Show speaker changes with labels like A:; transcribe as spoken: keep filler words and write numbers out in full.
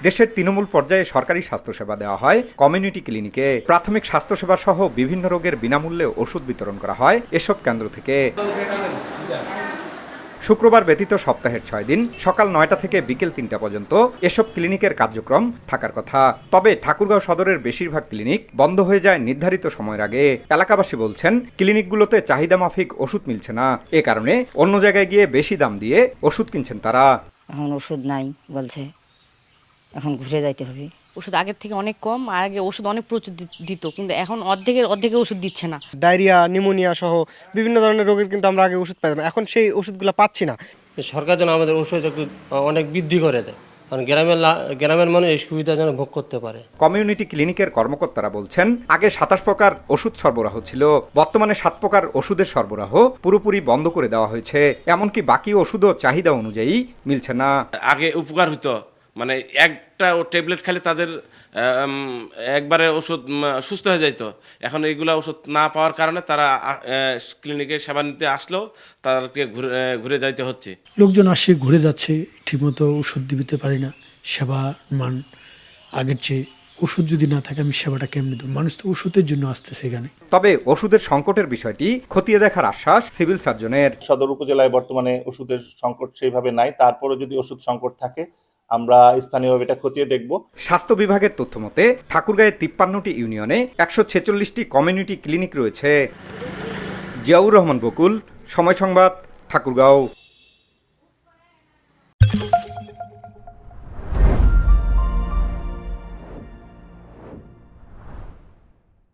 A: দেশের তৃণমূল পর্যায়ে সরকারি স্বাস্থ্যসেবা দেওয়া হয় কমিউনিটি ক্লিনিকে। প্রাথমিক স্বাস্থ্যসেবা সহ বিভিন্ন রোগের বিনামূল্যে ওষুধ বিতরণ করা হয় এসব কেন্দ্র থেকে। শুক্রবার ব্যতীত সপ্তাহের ছয় দিন সকাল নয়টা থেকে বিকেল তিনটা পর্যন্ত এসব ক্লিনিকের কার্যক্রম থাকার কথা। তবে ঠাকুরগাঁও সদরের বেশিরভাগ ক্লিনিক বন্ধ হয়ে যায় নির্ধারিত সময়ের আগে। এলাকাবাসী বলছেন, ক্লিনিকগুলোতে চাহিদা মাফিক ওষুধ মিলছে না, এ কারণে অন্য জায়গায় গিয়ে বেশি দাম দিয়ে ওষুধ কিনছেন তারা।
B: এখন ওষুধ নাই বলছে, এখন ঘুরে যাইতে হবে।
C: ওষুধ আগের থেকে অনেক কম, আর আগে ওষুধ অনেক প্রচুর দিত, কিন্তু এখন অর্ধেকের অর্ধেকের ওষুধ দিচ্ছে না।
D: ডায়রিয়া, নিউমোনিয়া সহ বিভিন্ন ধরনের রোগের কিন্তু আমরা আগে ওষুধ পাইতাম, এখন সেই ওষুধগুলো পাচ্ছি না।
E: সরকার যেন আমাদের ওষুধ একটু অনেক বৃদ্ধি করে দেয়, কারণ গ্রামের গ্রামের মানুষ এই সুবিধা যেন ভোগ করতে পারে।
A: কমিউনিটি ক্লিনিকের কর্মকর্তারা বলছেন, আগে সাতাশ প্রকার ওষুধ সরবরাহ ছিল, বর্তমানে সাত প্রকার ওষুধের সরবরাহ পুরোপুরি বন্ধ করে দেওয়া হয়েছে। এমনকি বাকি ওষুধও চাহিদা অনুযায়ী মিলছে না।
F: আগে উপকার হতো, মানে একটা ট্যাবলেট খেলে তাদের একবারে ওষুধ সুস্থ হয়ে যাইতো। এখন এইগুলা ওষুধ না পাওয়ার কারণে তারা ক্লিনিকে সেবা নিতে আসলেও তাদেরকে ঘুরে ঘুরে যাইতে হচ্ছে।
G: লোকজন আসে, ঘুরে যাচ্ছে, ঠিকমতো ওষুধ দিতে পারি না। সেবা মান আগের চেয়ে, ওষুধ যদি না থাকে আমি সেবাটা কেমনে দেব? মানুষ তো ওষুধের জন্য আসতেছে এখানে।
A: তবে ওষুধের সংকটের বিষয়টি খতিয়ে দেখার আশ্বাস সিভিল সার্জনের।
H: সদর উপজেলায় বর্তমানে ওষুধের সংকট সেইভাবে নাই, তারপরে যদি ওষুধ সংকট থাকে আমরা স্থানীয়ভাবে এটা খতিয়ে দেখব।
A: স্বাস্থ্য বিভাগের তথ্য মতে ঠাকুরগাঁয়ে তিপ্পান্নটি ইউনিয়নে একশো ছেচল্লিশটি কমিউনিটি ক্লিনিক রয়েছে। জিয়াউর রহমান বকুল, সময় সংবাদ, ঠাকুরগাঁও।